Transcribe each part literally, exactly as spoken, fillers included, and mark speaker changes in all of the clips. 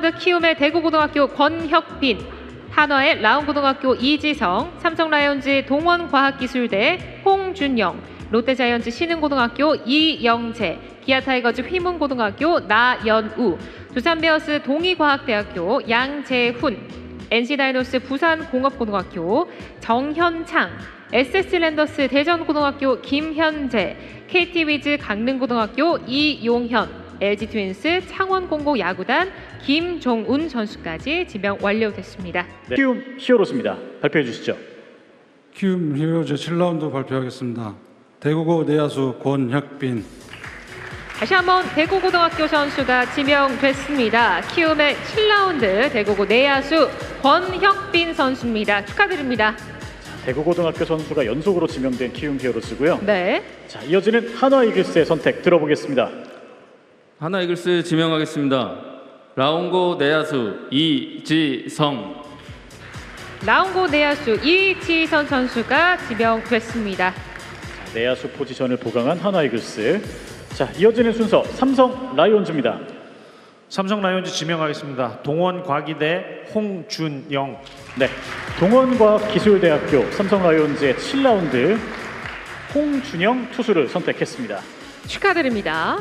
Speaker 1: 라운드 키움의 대구고등학교 권혁빈, 한화의 라운고등학교 이지성, 삼성라이온즈 동원과학기술대 홍준영, 롯데자이언츠 신흥고등학교 이영재, 기아타이거즈 휘문고등학교 나연우, 두산베어스 동의과학대학교 양재훈, 엔씨다이노스 부산공업고등학교 정현창, 에스에스랜더스 대전고등학교 김현재, 케이티위즈 강릉고등학교 이용현, 엘지트윈스 창원공고 야구단 김종운 선수까지 지명 완료됐습니다.
Speaker 2: 네, 키움 히어로즈입니다. 발표해 주시죠.
Speaker 3: 키움 히어로즈 칠 라운드 발표하겠습니다. 대구고 내야수 권혁빈.
Speaker 1: 다시 한번 대구고등학교 선수가 지명됐습니다. 키움의 칠 라운드 대구고 내야수 권혁빈 선수입니다. 축하드립니다.
Speaker 2: 대구고등학교 선수가 연속으로 지명된 키움 히어로즈고요.
Speaker 1: 네.
Speaker 2: 자, 이어지는 한화 이글스의 선택 들어보겠습니다.
Speaker 4: 하나 이글스 지명하겠습니다. 라운고 내야수 이지성.
Speaker 1: 라운고 내야수 이지선 선수가 지명됐습니다.
Speaker 2: 자, 내야수 포지션을 보강한 한화 이글스. 자, 이어지는 순서 삼성 라이온즈입니다.
Speaker 5: 삼성 라이온즈 지명하겠습니다. 동원과기대 홍준영.
Speaker 2: 네, 동원과학기술대학교 삼성 라이온즈의 칠 라운드 홍준영 투수를 선택했습니다.
Speaker 1: 축하드립니다.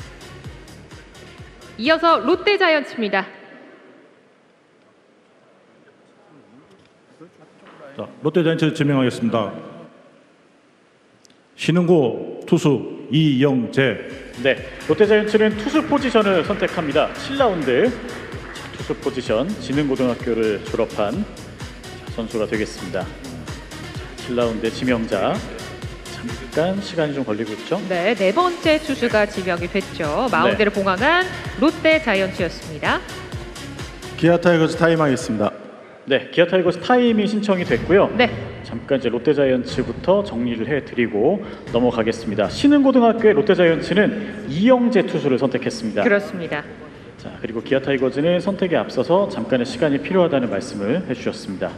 Speaker 1: 이어서 롯데자이언츠입니다.
Speaker 6: 자, 롯데자이언츠 지명하겠습니다. 신흥고 투수 이영재.
Speaker 2: 네, 롯데자이언츠는 투수 포지션을 선택합니다. 칠 라운드 투수 포지션 진흥고등학교를 졸업한 선수가 되겠습니다. 칠 라운드 지명자. 잠깐 시간이 좀 걸리고 있죠?
Speaker 1: 네, 네 번째 투수가 지명이 됐죠. 마운드를
Speaker 2: 네.
Speaker 1: 봉황한 롯데자이언츠였습니다.
Speaker 6: 기아 타이거즈 타임하겠습니다.
Speaker 2: 네, 기아 타이거스 타임이 신청이 됐고요.
Speaker 1: 네.
Speaker 2: 잠깐 이제 롯데자이언츠부터 정리를 해드리고 넘어가겠습니다. 신흥고등학교의 롯데자이언츠는 이영재 투수를 선택했습니다.
Speaker 1: 그렇습니다.
Speaker 2: 자, 그리고 기아 타이거즈는 선택에 앞서서 잠깐의 시간이 필요하다는 말씀을 해주셨습니다.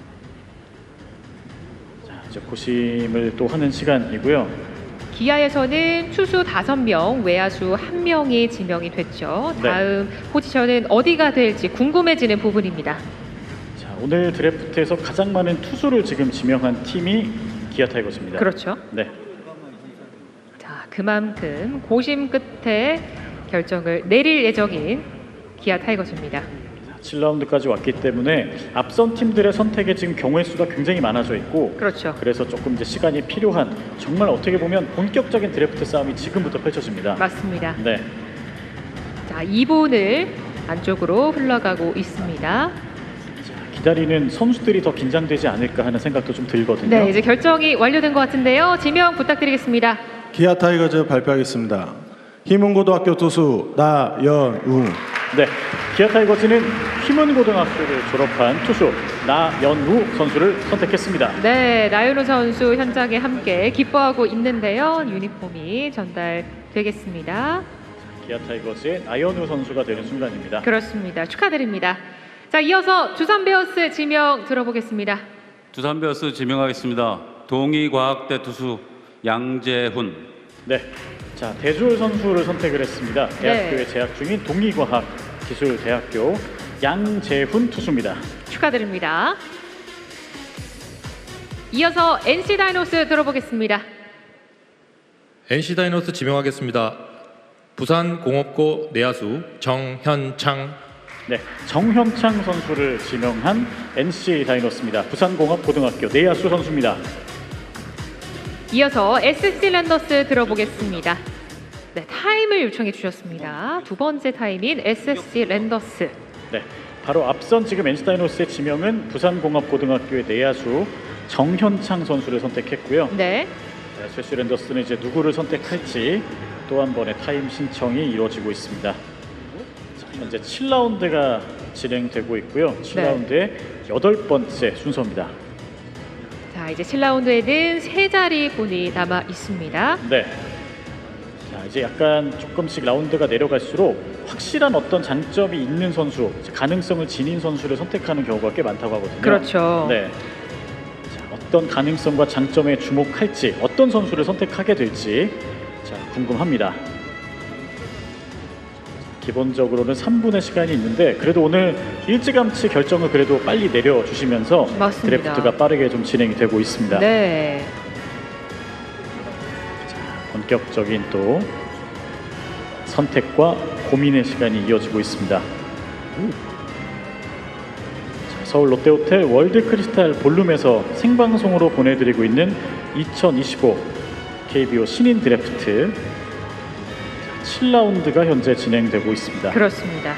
Speaker 2: 자, 이제 고심을 또 하는 시간이고요.
Speaker 1: 기아에서는 투수 다섯 명, 외야수 한 명이 지명이 됐죠.
Speaker 2: 네.
Speaker 1: 다음 포지션은 어디가 될지 궁금해지는 부분입니다.
Speaker 2: 자, 오늘 드래프트에서 가장 많은 투수를 지금 지명한 팀이 기아 타이거즈입니다.
Speaker 1: 그렇죠.
Speaker 2: 네.
Speaker 1: 자, 그만큼 고심 끝에 결정을 내릴 예정인 기아 타이거즈입니다.
Speaker 2: 칠 라운드까지 왔기 때문에 앞선 팀들의 선택에 지금 경우의 수가 굉장히 많아져 있고,
Speaker 1: 그렇죠.
Speaker 2: 그래서 조금 이제 시간이 필요한, 정말 어떻게 보면 본격적인 드래프트 싸움이 지금부터 펼쳐집니다.
Speaker 1: 맞습니다.
Speaker 2: 네.
Speaker 1: 자, 이 분을 안쪽으로 흘러가고 있습니다.
Speaker 2: 기다리는 선수들이 더 긴장되지 않을까 하는 생각도 좀 들거든요.
Speaker 1: 네, 이제 결정이 완료된 것 같은데요. 지명 부탁드리겠습니다.
Speaker 6: 기아 타이거즈 발표하겠습니다. 희문고등학교 투수 나연우.
Speaker 2: 네, 기아 타이거즈는 휘문고등학교를 졸업한 투수 나연우 선수를 선택했습니다.
Speaker 1: 네, 나윤호 선수 현장에 함께 기뻐하고 있는데요. 유니폼이 전달되겠습니다.
Speaker 2: 기아 타이거즈의 나연우 선수가 되는 순간입니다.
Speaker 1: 그렇습니다. 축하드립니다. 자, 이어서 두산 베어스 지명 들어보겠습니다.
Speaker 4: 두산 베어스 지명하겠습니다. 동의과학대 투수 양재훈.
Speaker 2: 네, 자, 대졸 선수를 선택을 했습니다. 대학교에
Speaker 1: 네.
Speaker 2: 재학 중인 동의과학기술대학교 양재훈 투수입니다.
Speaker 1: 축하드립니다. 이어서 엔씨다이노스 들어보겠습니다.
Speaker 7: 엔씨다이노스 지명하겠습니다. 부산공업고 내야수 정현창.
Speaker 2: 네, 정현창 선수를 지명한 엔씨 다이노스입니다. 부산공업고등학교 내야수 선수입니다.
Speaker 1: 이어서 에스씨 랜더스 들어보겠습니다. 네, 타임을 요청해 주셨습니다. 두 번째 타임인 에스씨 랜더스.
Speaker 2: 네, 바로 앞선 지금 엔씨 다이노스의 지명은 부산공업고등학교의 내야수 정현창 선수를 선택했고요.
Speaker 1: 네.
Speaker 2: 에스씨 랜더스는 이제 누구를 선택할지 또 한 번의 타임 신청이 이루어지고 있습니다. 자, 현재 칠 라운드가 진행되고 있고요. 칠 라운드의 여덟 번째 순서입니다.
Speaker 1: 자, 이제 칠 라운드에는 세 자리 분이 남아 있습니다.
Speaker 2: 네. 자, 이제 약간 조금씩 라운드가 내려갈수록 확실한 어떤 장점이 있는 선수, 가능성을 지닌 선수를 선택하는 경우가 꽤 많다고 하거든요.
Speaker 1: 그렇죠.
Speaker 2: 네. 자, 어떤 가능성과 장점에 주목할지, 어떤 선수를 선택하게 될지 자, 궁금합니다. 기본적으로는 삼 분의 시간이 있는데 그래도 오늘 일찌감치 결정을 그래도 빨리 내려주시면서
Speaker 1: 맞습니다.
Speaker 2: 드래프트가 빠르게 좀 진행이 되고 있습니다.
Speaker 1: 네.
Speaker 2: 본격적인 또 선택과 고민의 시간이 이어지고 있습니다. 자, 서울 롯데호텔 월드크리스탈 볼룸에서 생방송으로 보내드리고 있는 이천이십오 케이비오 신인 드래프트 칠 라운드가 현재 진행되고 있습니다.
Speaker 1: 그렇습니다.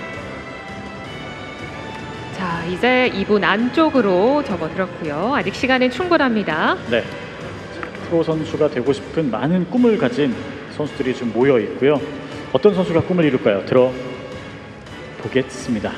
Speaker 1: 자, 이제 이 분 안쪽으로 접어들었고요. 아직 시간은 충분합니다.
Speaker 2: 네, 자, 프로 선수가 되고 싶은 많은 꿈을 가진 선수들이 좀 모여 있고요. 어떤 선수가 꿈을 이룰까요? 들어보겠습니다.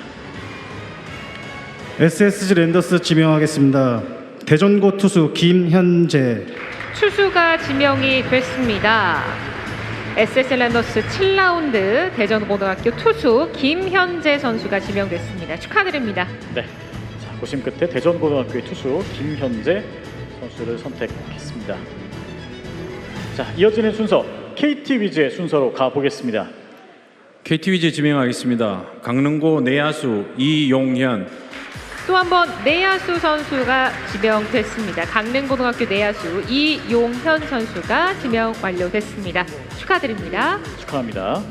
Speaker 8: 에스에스지 랜더스 지명하겠습니다. 대전고 투수 김현재.
Speaker 1: 투수가 지명이 됐습니다. 에스에스 랜더스 칠 라운드 대전고등학교 투수 김현재 선수가 지명됐습니다. 축하드립니다.
Speaker 2: 네, 자, 고심 끝에 대전고등학교의 투수 김현재 선수를 선택했습니다. 자, 이어지는 순서 케이티 위즈의 순서로 가보겠습니다.
Speaker 9: 케이티 위즈 지명하겠습니다. 강릉고 내야수 이용현.
Speaker 1: 또 한 번 내야수 선수가 지명됐습니다. 강릉고등학교 내야수 이용현 선수가 지명 완료됐습니다. 축하드립니다.
Speaker 2: 축하합니다.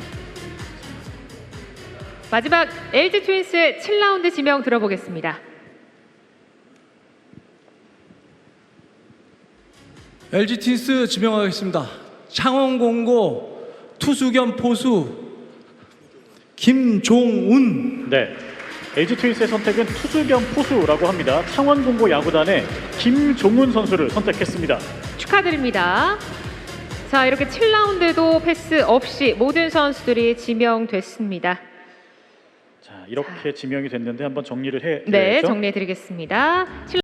Speaker 1: 마지막 엘지 트윈스의 칠 라운드 지명 들어보겠습니다.
Speaker 10: 엘지 트윈스 지명하겠습니다. 창원공고 투수 겸 포수 김종운.
Speaker 2: 네, 엘지 트윈스의 선택은 투수 겸 포수라고 합니다. 창원공고 야구단의 김종훈 선수를 선택했습니다.
Speaker 1: 축하드립니다. 자, 이렇게 칠 라운드도 패스 없이 모든 선수들이 지명됐습니다.
Speaker 2: 자, 이렇게 지명이 됐는데 한번 정리를 해
Speaker 1: 네,
Speaker 2: 드려야죠.
Speaker 1: 정리해 드리겠습니다.